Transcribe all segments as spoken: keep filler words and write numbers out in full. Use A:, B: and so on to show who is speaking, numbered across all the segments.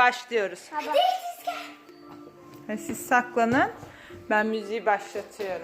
A: başlıyoruz.
B: Hadi.
A: Ha, siz saklanın. Ben müziği başlatıyorum.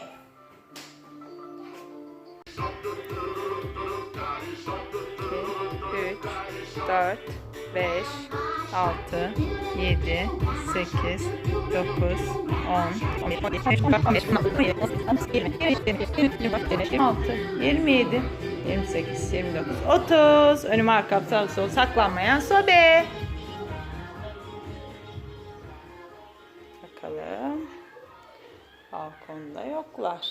A: üç, dört, beş, altı, yedi, sekiz, dokuz, on, on bir, on iki, on üç, on beş, on altı, yirmi, altı, yirmi yedi, yirmi sekiz, yirmi dokuz, otuz. Önüm arkam sağ sol saklanmayan sobe. Bakalım. Balkonda yoklar.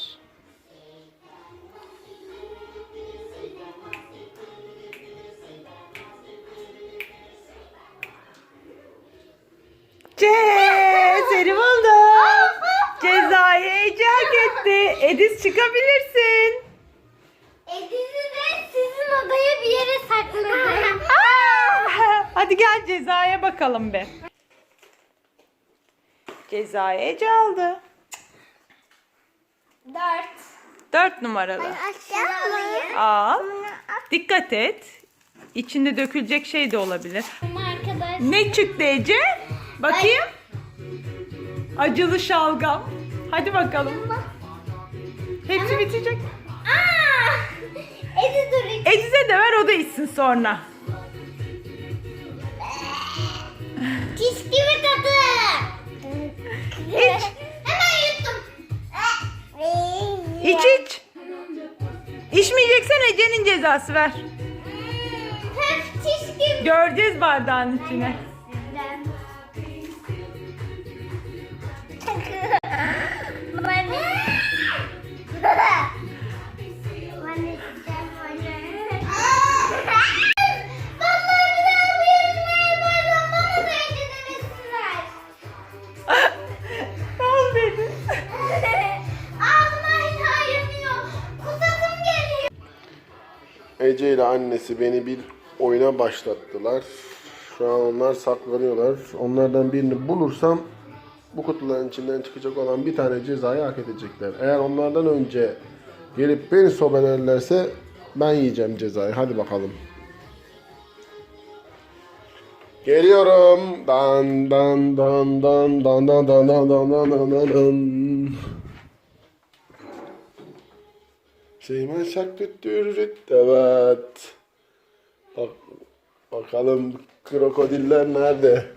A: Ce, seni buldum. Cezayı Ece hak etti. Ediz çıkabilirsin.
B: Ediz'i de sizin odaya bir yere sakladım.
A: Hadi gel cezaya bakalım be. Cezayı Ece aldı.
B: Dört.
A: Dört numaralı.
B: Aşağı
A: Al. Dikkat et. İçinde dökülecek şey de olabilir.
B: Arkadaş.
A: Ne çıktı Ece? Bakayım. Acılı şalgam. Hadi bakalım. Hepsi bitecek.
B: Aa! Ediz dur.
A: Ediz'e de ver, o da içsin sonra.
B: Çiş gibi tadı.
A: İç.
B: Hemen yuttum.
A: İç iç. İçmeyeceksen Ece'nin cezası ver.
B: Hep çiş gibi.
A: Göreceğiz bardağın içine. Ne oldu Ediz?
C: Ece ile annesi beni bir oyuna başlattılar. Şu an onlar saklanıyorlar. Onlardan birini bulursam bu kutuların içinden çıkacak olan bir tane cezayı hak edecekler. Eğer onlardan önce gelip beni sobelerlerse ben yiyeceğim cezayı. Hadi bakalım. Geliyorum. Dan dan dan dan dan dan dan dan dan dan dan dan dan. Şeyman şak tüttürüt. Evet. Bak, bakalım krokodiller nerede?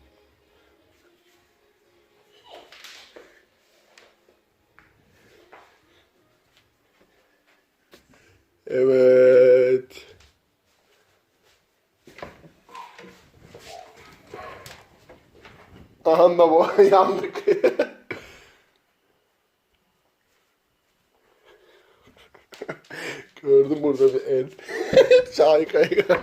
C: Evet. Aha da bu yandık. Gördüm burada bir el. Şahika'yı gördüm.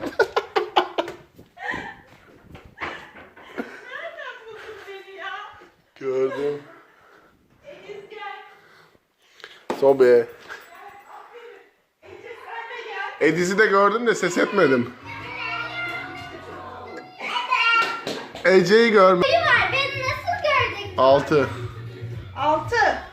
C: Gördüm. Sobe. Ediz'i de gördüm de ses etmedim. Ece'yi görmedim.
B: Var, beni nasıl gördün?
C: Altı.
A: Altı.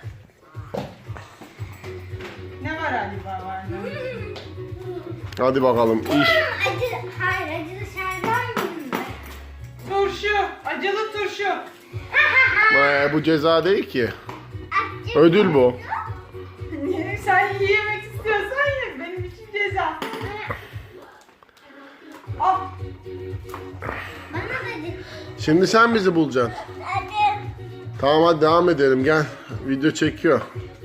A: Ne var acaba var mı?
C: Hadi bakalım iş.
B: Acı, hayır acılı şerbet mi?
A: Turşu. Acılı turşu.
C: Ee, bu ceza değil ki. Ödül bu.
A: Sen yemek istiyorsan ye. Benim için ceza. Al.
B: Bana dedi.
C: Şimdi sen bizi bulacaksın.
B: Hadi.
C: Tamam hadi devam edelim gel. Video çekiyor.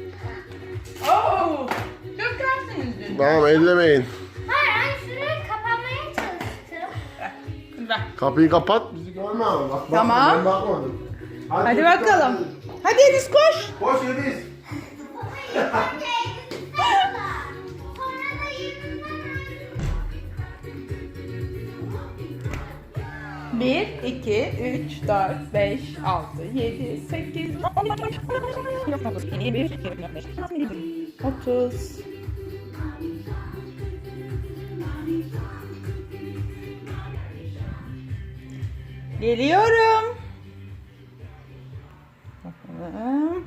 A: Oo. Dökersiniz dün.
C: Tamam ellemeyin.
B: Hayır, ben şurayı kapamaya çalıştım.
A: Ver.
C: Kapıyı kapat bizi görme ama. Bak,
A: Tamam.
C: bakma, ben bakmadım.
A: Hadi bakalım. Hadi Ediz koş.
C: Koş Ediz.
B: Sonra da yüzünden
A: bir, iki, üç, dört, beş, altı, yedi, sekiz, on, on iki, yirmi bir, yirmi beş, otuz. Geliyorum. Bakalım.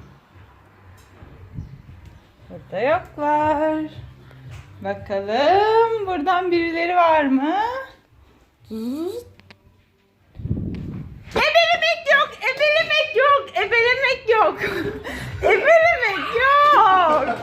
A: Burada yoklar. Bakalım buradan birileri var mı? Zıt. ebelemek yok. Ebelemek yok.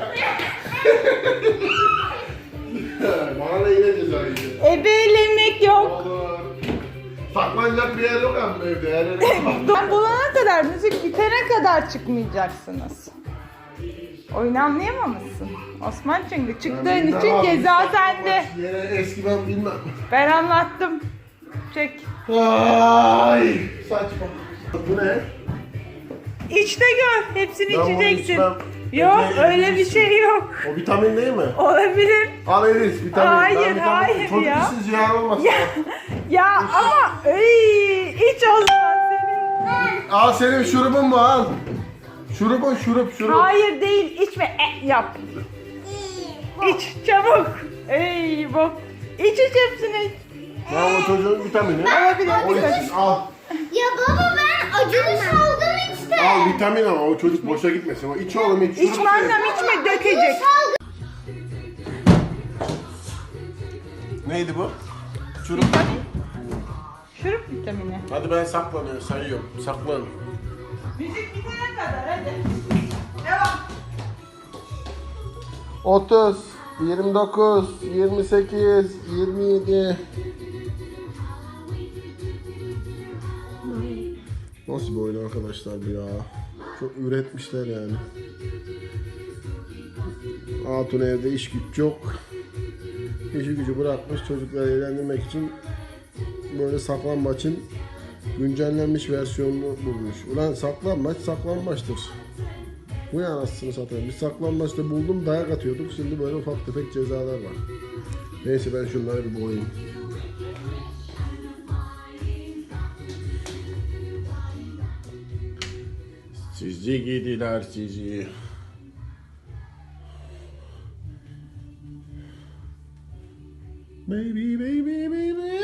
C: Bana da yine ceza yiyeceğiz.
A: Ebelemek yok.
C: Olur. Saklanacak bir yer yok ama evde. Her yere
A: Ben bulana kadar, müzik bitene kadar çıkmayacaksınız. Oyunu anlayamamışsın. Osman çünkü çıktığın için ceza sende.
C: Yine eski ben bilmem.
A: Ben anlattım. Çek.
C: Ay saçma. Bu ne?
A: İç de gör. Hepsini
C: Ben bunu
A: içeceksin.
C: içmem.
A: Yok
C: Ece,
A: öyle bir
C: içsin.
A: şey yok.
C: O vitamin değil mi?
A: Olabilir.
C: Al Elis vitamin.
A: Hayır,
C: Ben vitamin-
A: hayır
C: Çocuk
A: ya.
C: işsiz ziyan olmasın.
A: Ya, ya ama ey, iç o zaman senin.
C: Al senin şurubun mu al. Şurubun şurup şurup.
A: Hayır değil içme. E, yap. İç çabuk. Ey bak. İç iç hepsini iç.
C: Ya o çocuğun vitamini.
A: Olabilir.
C: O
A: bir kaşık.
C: içsin al.
B: Ya baba ben acılı şalgam içtim.
C: Al vitamin ama o çocuk boşa gitmesin. O iç oğlum iç. şurup
A: İçme annem
C: ye.
A: içme dökecek.
C: Neydi bu? Şurup.
A: Şurup vitamini.
C: Hadi ben saklanıyorum sayıyorum. Saklan.
A: Müzik bitene kadar hadi. Devam.
C: otuz, yirmi dokuz, yirmi sekiz, yirmi yedi. Nasıl bir oyun arkadaşlar bu ya? Çok üretmişler yani. Hatun evde iş güç yok. İşi gücü bırakmış çocukları eğlendirmek için böyle saklambaçın güncellenmiş versiyonunu bulmuş. Ulan saklambaç saklambaçtır. Bu ya anasını satayım. Biz saklambaçta buldum dayak atıyorduk. Şimdi böyle ufak tefek cezalar var. Neyse ben şunları bir boğayım. Sizi gidiler sizi. Baby baby baby.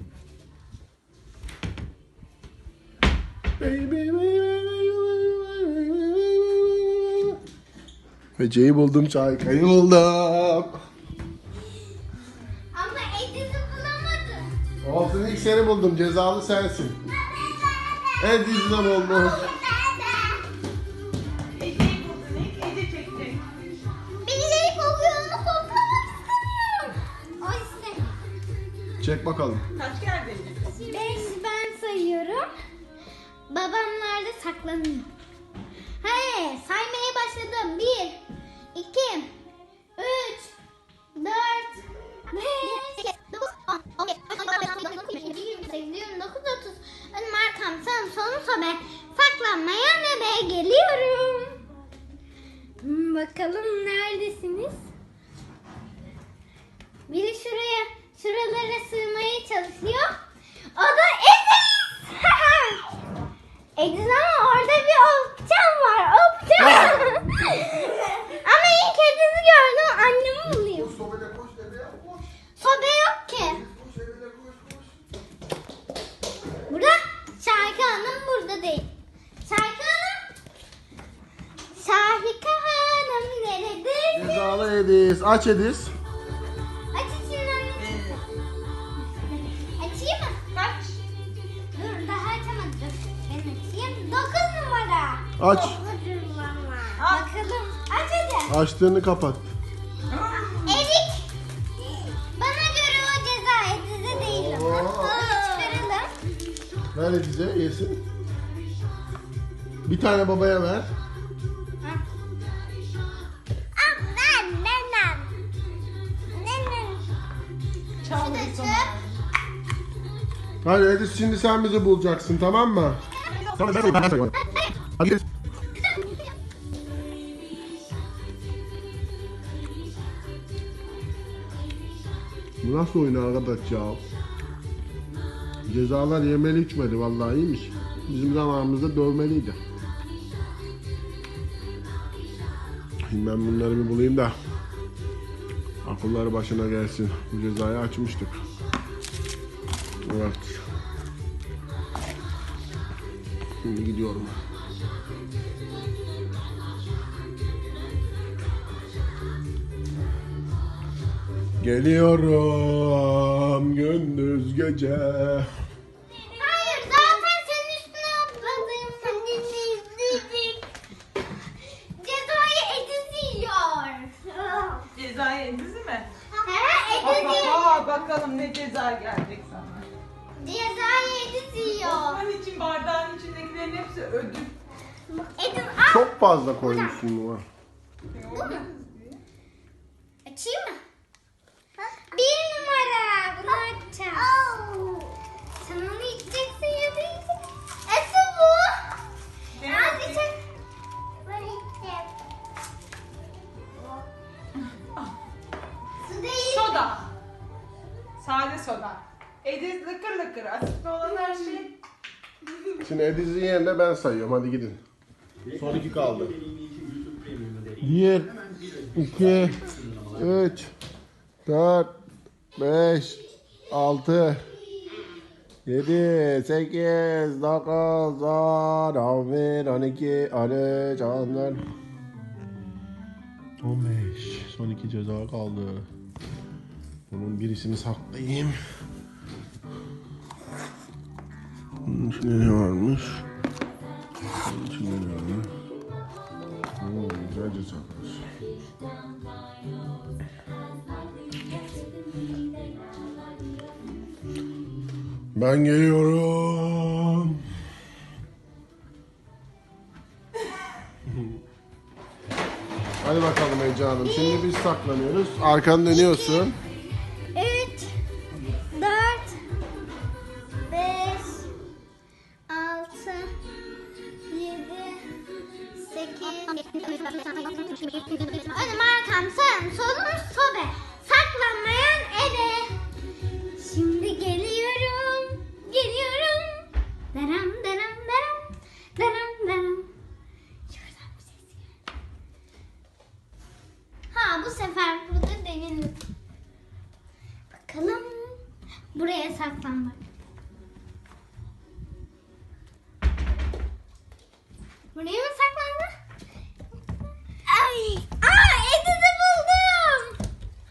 C: Baby baby. Ece'yi buldum, Çayka'yı buldum.
B: Ama Ediz'i bulamadım.
C: Olsun ilk seni buldum, cezalı sensin. Ediz'le buldum.
A: Ece'yi buldun ilk Ece çekecek.
B: Birileri kokuyor onu koklamak istemiyorum. O istemiyor.
C: Çek bakalım.
A: Kaç geldi?
B: Beş ben sayıyorum. Babamlar da saklanıyor. Hayır saymaya başladım. Bir, iki, üç, dört, beş, dokuz, on, on beş, on altı, on yedi, yirmi sekiz, yirmi dokuz, otuz. Önüm arkam sağım solum sobe. Saklanmaya nebe geliyorum. Hmm, bakalım neredesiniz? Biri şuraya, şuralara sığmaya çalışıyor. O da Ediz! Ediz ama orada bir opcan var, opcan. Ama ilk Ediz'i gördüm, annemi bulayım. Sobe yok ki. Burada Şahika Hanım burada değil. Şahika Hanım. Şahika Hanım neredesin?
C: Cezalı Ediz. Aç Ediz.
B: Aç içini anneciğim. Açayım mı?
A: Kaç?
B: Dur daha açamadım. Ben açayım. Dokuz numara.
C: Aç.
B: Dokuz numara. Bakalım. Aç hadi.
C: Açtığını kapat.
B: Erik. Bana göre o ceza Ediz'e değil.
C: Oo.
B: Onu çıkaralım.
C: Ver Ediz'e yesin. Bir tane babaya ver.
B: Ah, ben, nenem. Nenem.
A: Çal
B: Şurada
A: bir
B: çöp.
C: Hadi Ediz şimdi sen bizi bulacaksın tamam mı? Tamam ben ben ben. Hadi Ediz. Bu nasıl oyun arkadaş ya? Cezalar yemeli içmedi vallahi iyiymiş. Bizim zamanımızda dövmeliydi. Şimdi ben bunları bir bulayım da akılları başına gelsin. Bu cezayı açmıştık. Evet. Şimdi gidiyorum. Geliyorum gündüz gece.
B: Hayır zaten senin üstüne atladım. Senin
A: Bakalım ne ceza gelecek sana.
B: Cezayı Ediz yiyor.
A: Osman için bardağın içindekilerin hepsi ödül.
B: Ediz al.
C: Çok fazla koymuşsun bu.
B: Bu mu? Açayım mı? Bir numara. Bunu açacağım. Sen onu içeceksin ya da yiyeceksin. Esi bu.
A: Ne
B: Az
A: yapayım?
B: içecek. Ben içeceğim. Su değil.
A: Soda. Sade soda. Ediz lıkır lıkır. Asitli olan her şey.
C: Şimdi Ediz'in yerine ben sayıyorum. Hadi gidin. Son iki kaldı. Bir, iki, üç, dört, beş, altı, yedi, sekiz, dokuz, on, on bir, on iki, on üç, on dört, on beş. Son iki ceza kaldı. Bunun birisini saklayayım. Bunun içinde ne varmış? Bunun içinde ne var? Hmm, güzel cezalar. Ben geliyorum. Hadi bakalım Ece Hanım. Şimdi biz saklanıyoruz. Arkanı dönüyorsun.
B: Üç, dört, beş, altı, yedi, sekiz, önüm arkam sağım solum sobe. Saklanmayan eve. Şimdi geliyorum, geliyorum. Deram deram deram, deram deram. Şuradan bir ses geldi. Ha bu sefer burada değilim. Bakalım. Buraya saklanmak. Buraya mı saklandı? Ay! Aa! Ediz'i buldum!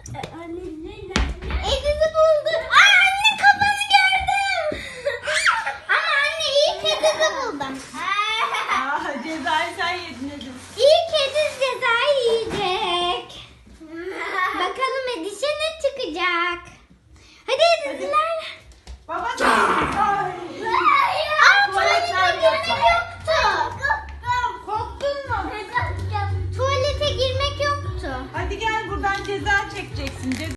B: Ediz'i buldum! Aa anne kafanı gördüm! Ama anne ilk Ediz'i buldum.
A: Aa, cezayı sen yedin Ediz.
B: İlk Ediz cezayı yiyecek. Bakalım Ediz'e ne çıkacak? Hadi Ediz'ler.
A: Baba ay.
B: Aa tuvalete girmek yoktu.
A: Korktun mu?
B: Tuvalete girmek yoktu.
A: Hadi gel buradan ceza çekeceksin. Ceza